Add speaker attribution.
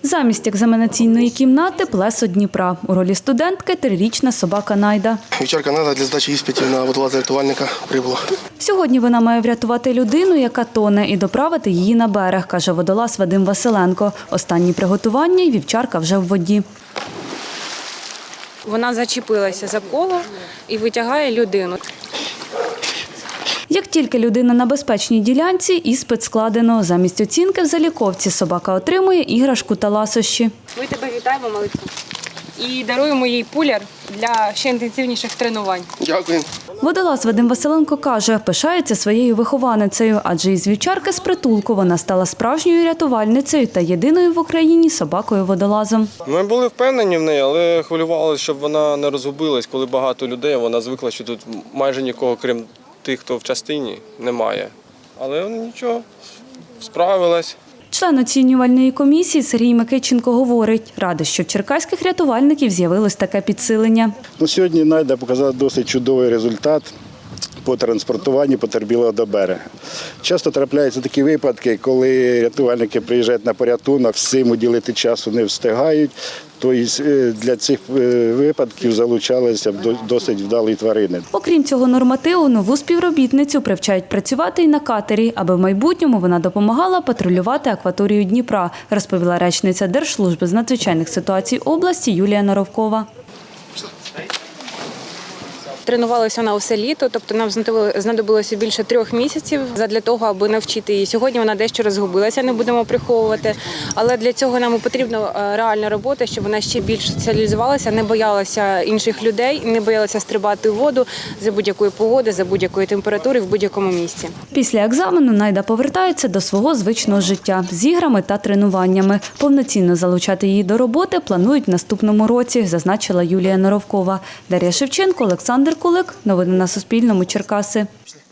Speaker 1: Замість екзаменаційної кімнати – плесо Дніпра. У ролі студентки – 3-річна собака Найда.
Speaker 2: Вівчарка Найда для здачі іспитів на водолаза-рятувальника прибула.
Speaker 1: Сьогодні вона має врятувати людину, яка тоне, і доправити її на берег, каже водолаз Вадим Василенко. Останні приготування і вівчарка вже в воді.
Speaker 3: Вона зачепилася за коло і витягає людину.
Speaker 1: Як тільки людина на безпечній ділянці, іспит складено. Замість оцінки в заліковці собака отримує іграшку та ласощі.
Speaker 3: Ми тебе вітаємо, малицю. І даруємо їй пуляр для ще інтенсивніших тренувань.
Speaker 2: Дякую.
Speaker 1: Водолаз Вадим Василенко каже, пишається своєю вихованицею, адже із вівчарки з притулку вона стала справжньою рятувальницею та єдиною в Україні собакою-водолазом.
Speaker 4: Ми були впевнені в неї, але хвилювалися, щоб вона не розгубилась, коли багато людей. Вона звикла, що тут майже нікого, крім тих, хто в частині, немає. Але нічого, справилась.
Speaker 1: Член оцінювальної комісії Сергій Микиченко говорить, радий, що в черкаських рятувальників з'явилось таке підсилення.
Speaker 5: Сьогодні Найда показала досить чудовий результат по транспортуванню потерпілого до берега. Часто трапляються такі випадки, коли рятувальники приїжджають на порятунок, всім уділити часу не встигають. Тобто для цих випадків залучалися досить вдалі тварини.
Speaker 1: Окрім цього нормативу, нову співробітницю привчають працювати і на катері, аби в майбутньому вона допомагала патрулювати акваторію Дніпра, розповіла речниця Держслужби з надзвичайних ситуацій області Юлія Наровкова.
Speaker 3: Тренувалася вона усе літо, тобто нам знадобилося більше 3 місяців для того, аби навчити її. Сьогодні вона дещо розгубилася, не будемо приховувати, але для цього нам потрібна реальна робота, щоб вона ще більш соціалізувалася, не боялася інших людей, не боялася стрибати в воду за будь-якої погоди, за будь-якої температури в будь-якому місці.
Speaker 1: Після екзамену Найда повертається до свого звичного життя з іграми та тренуваннями. Повноцінно залучати її до роботи планують в наступному році, зазначила Юлія Наровкова. Дар'я Шевченко, Олександр Кулик. Новини на Суспільному. Черкаси.